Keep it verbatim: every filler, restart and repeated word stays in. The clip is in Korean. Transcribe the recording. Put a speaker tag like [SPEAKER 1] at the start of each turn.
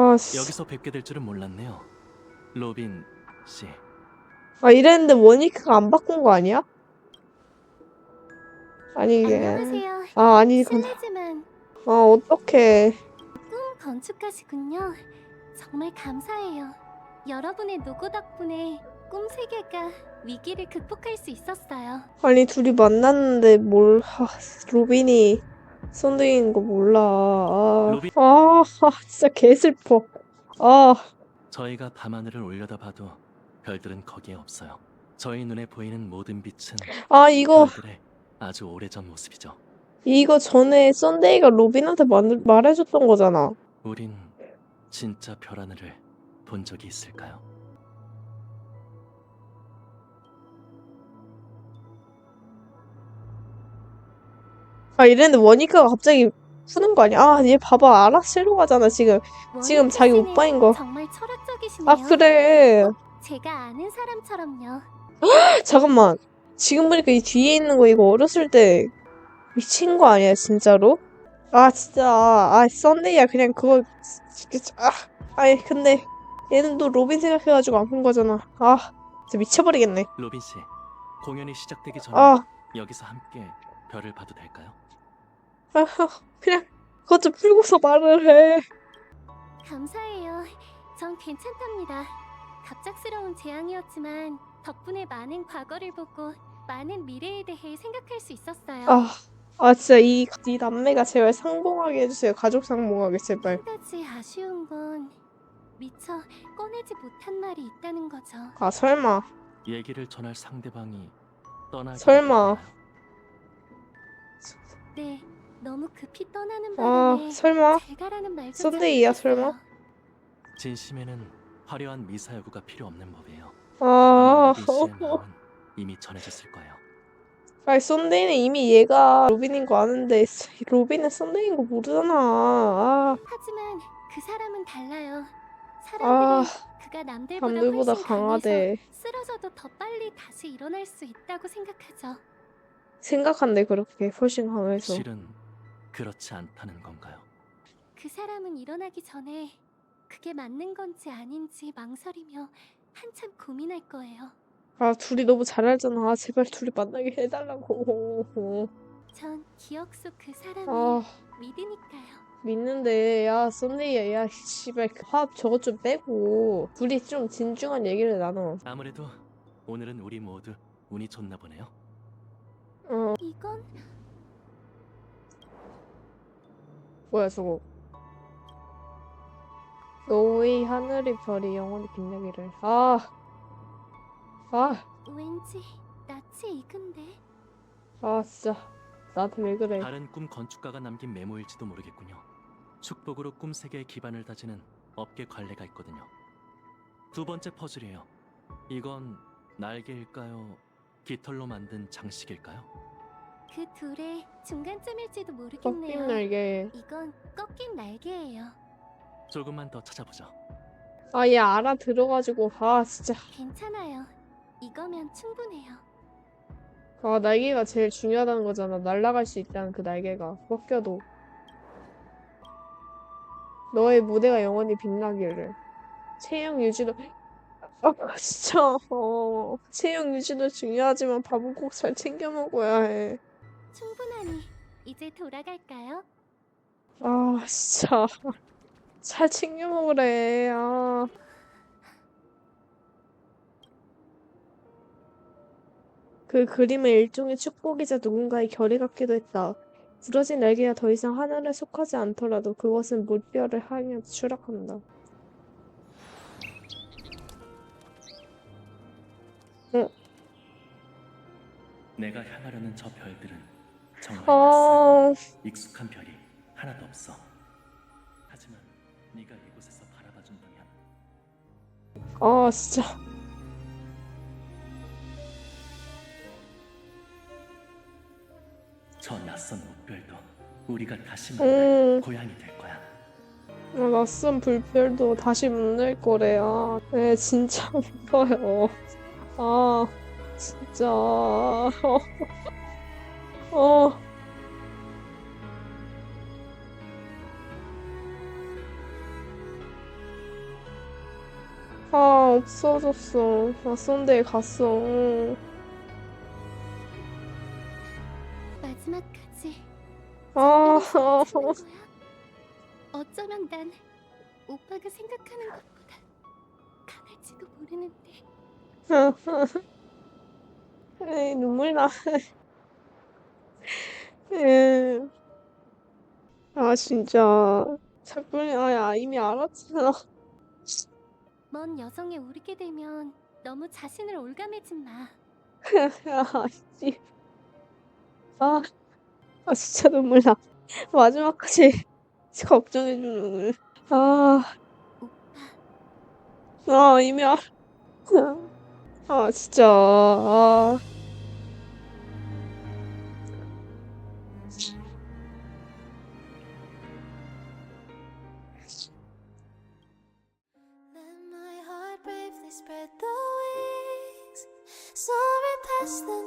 [SPEAKER 1] 아, 씨.
[SPEAKER 2] 여기서 뵙게 될 줄은 몰랐네요. 로빈 씨.
[SPEAKER 1] 아, 이랬는데 모니카가 안 바꾼 거 아니야? 아니, 이게.
[SPEAKER 3] 안녕하세요.
[SPEAKER 1] 아, 아니구나.
[SPEAKER 3] 실례지만
[SPEAKER 1] 아, 어떡해.
[SPEAKER 3] 꿈 건축가시군요. 정말 감사해요. 여러분의 노고 덕분에 꿈 세계가 위기를 극복할 수 있었어요.
[SPEAKER 1] 아니, 둘이 만났는데 뭘, 아, 로빈이 썬데이인 거 몰라. 아,
[SPEAKER 2] 로빈.
[SPEAKER 1] 아, 아, 진짜 개슬퍼. 아,
[SPEAKER 2] 저희가 밤하늘을 올려다봐도 별들은 거기에 없어요. 저희 눈에 보이는 모든 빛은
[SPEAKER 1] 아, 이거,
[SPEAKER 2] 별들의 아주 오래전 모습이죠.
[SPEAKER 1] 이거 전에 썬데이가 로빈한테 만, 말해줬던 거잖아.
[SPEAKER 2] 우린 진짜 별 하늘을 본 적이 있을까요?
[SPEAKER 1] 아, 이랬는데 모니카가 갑자기 푸는 거 아니야? 아, 얘 봐봐. 알아채러 가잖아, 지금. 지금
[SPEAKER 3] 모니카
[SPEAKER 1] 자기
[SPEAKER 3] 씨는
[SPEAKER 1] 오빠인 거.
[SPEAKER 3] 정말 철학적이시네요.
[SPEAKER 1] 아, 그래.
[SPEAKER 3] 제가 아는 사람처럼요.
[SPEAKER 1] 잠깐만. 지금 보니까 이 뒤에 있는 거 이거 어렸을 때 미친 거 아니야, 진짜로? 아, 진짜. 아, 썬데이야. 그냥 그거. 진짜, 아, 아니, 근데 얘는 또 로빈 생각해가지고 안 푼 거잖아. 아, 진짜 미쳐버리겠네.
[SPEAKER 2] 로빈 씨, 공연이 시작되기 전에
[SPEAKER 1] 아,
[SPEAKER 2] 여기서 함께 별을 봐도 될까요?
[SPEAKER 1] 아, 그냥 그것 좀 풀고서 말을 해.
[SPEAKER 3] 감사해요. 전 괜찮답니다. 갑작스러운 재앙이었지만 덕분에 많은 과거를 보고 많은 미래에 대해 생각할 수 있었어요.
[SPEAKER 1] 아, 아, 진짜 이, 이 남매가 제발 상봉하게 해주세요. 가족 상봉하게, 제발.
[SPEAKER 3] 한 가지 아쉬운 건 미처 꺼내지 못한 말이 있다는 거죠.
[SPEAKER 1] 아, 설마.
[SPEAKER 2] 얘기를 전할 상대방이 떠나기
[SPEAKER 1] 설마.
[SPEAKER 3] 네, 너무 급히 떠나는
[SPEAKER 1] 아,
[SPEAKER 3] 바람에
[SPEAKER 1] 설마.
[SPEAKER 3] 잘 가라는 말조차
[SPEAKER 1] 썬데이야,
[SPEAKER 3] 못했어요.
[SPEAKER 1] 설마?
[SPEAKER 2] 진심에는 화려한 미사여구가 필요 없는 법이에요.
[SPEAKER 1] 아,
[SPEAKER 2] 아마 로빈 씨의 마음은 이미 전해졌을 거예요.
[SPEAKER 1] 아니, 썬데이는 이미 얘가 로빈인 거 아는데, 로빈은 썬데이인 거 모르잖아. 아,
[SPEAKER 3] 하지만 그 사람은 달라요.
[SPEAKER 1] 아,
[SPEAKER 3] 사람들이 그가 남들보다
[SPEAKER 1] 남들보다
[SPEAKER 3] 훨씬
[SPEAKER 1] 강하대.
[SPEAKER 3] 강해서 쓰러져도 더 빨리 다시 일어날 수 있다고 생각하죠.
[SPEAKER 1] 생각한대, 그렇게. 훨씬 강해서.
[SPEAKER 2] 실은 그렇지 않다는 건가요?
[SPEAKER 3] 그 사람은 일어나기 전에 그게 맞는 건지 아닌지 망설이며 한참 고민할 거예요.
[SPEAKER 1] 아, 둘이 너무 잘 알잖아. 아, 제발 둘이 만나게 해달라고.
[SPEAKER 3] 전 기억 속 그 사람을
[SPEAKER 1] 아,
[SPEAKER 3] 믿으니까요.
[SPEAKER 1] 믿는데, 야, 썬데이야, 야, 씨발, 그 화합 저것 좀 빼고, 둘이 좀 진중한 얘기를 나눠.
[SPEAKER 2] 아무래도 오늘은 우리 모두 운이 좋나 보네요.
[SPEAKER 1] 어,
[SPEAKER 3] 이건
[SPEAKER 1] 뭐야, 저거. 너의 하늘의 별이 영원히 빛나기를. 아, 아,
[SPEAKER 3] 왠지 낯이 익은데.
[SPEAKER 1] 아, 진짜. 나한테 왜 그래.
[SPEAKER 2] 다른 꿈 건축가가 남긴 메모일지도 모르겠군요. 축복으로 꿈 세계의 기반을 다지는 업계 관례가 있거든요. 두 번째 퍼즐이에요. 이건 날개일까요? 깃털로 만든 장식일까요?
[SPEAKER 3] 그 둘의 중간점일지도
[SPEAKER 1] 꺾인
[SPEAKER 3] 모르겠네요.
[SPEAKER 1] 날개.
[SPEAKER 3] 이건 꺾인 날개예요.
[SPEAKER 2] 조금만 더 찾아보죠.
[SPEAKER 1] 아, 얘 알아들어가지고, 아, 진짜.
[SPEAKER 3] 괜찮아요. 이거면 충분해요.
[SPEAKER 1] 아, 날개가 제일 중요하다는 거잖아. 날아갈 수 있다는 그 날개가. 꺾여도. 너의 무대가 영원히 빛나기를. 체형 유지도, 아, 진짜. 어, 체형 유지도 중요하지만 밥은 꼭 잘 챙겨 먹어야 해.
[SPEAKER 3] 충분하니 이제 돌아갈까요?
[SPEAKER 1] 아, 진짜. 잘 챙겨 먹으래. 아. 그 그림은 일종의 축복이자 누군가의 결의 같기도 했다. 부러진 날개가 더 이상 하늘에 속하지 않더라도 그것은 물결을 향해 추락한다. 응.
[SPEAKER 2] 내가 향하려는 저 별들은 정말
[SPEAKER 1] 아,
[SPEAKER 2] 낯선 익숙한 별이 하나도 없어. 하지만 네가 이곳에서 바라봐준다면
[SPEAKER 1] 아, 진짜.
[SPEAKER 2] 저 낯선 목별도 우리가 다시 만날
[SPEAKER 1] 음,
[SPEAKER 2] 고향이 될 거야.
[SPEAKER 1] 아, 낯선 불별도 다시 만날 거래요. 네, 진짜 무서워요. 아, 진짜. 어, 어. 아, 없어졌어. 아, 썬데이 갔어.
[SPEAKER 3] 마지막까지
[SPEAKER 1] 아,
[SPEAKER 3] 장난을 치는 거야? 어쩌면 난 오빠가 생각하는 것보다 강할지도 모르는데.
[SPEAKER 1] 에이, 눈물 나. 에이. 아, 진짜. 작별이, 아, 이미 알았잖아.
[SPEAKER 3] 먼 여성에 오르게 되면 너무 자신을 올가매지 마.
[SPEAKER 1] 야, 씨. 아, 아, 진짜 눈물 나. 마지막까지 걱정해주는. 아,
[SPEAKER 3] 오빠,
[SPEAKER 1] 아, 이미 알아. 아, 진짜. 아.
[SPEAKER 4] Let my heart bravely spread the wings, soaring past the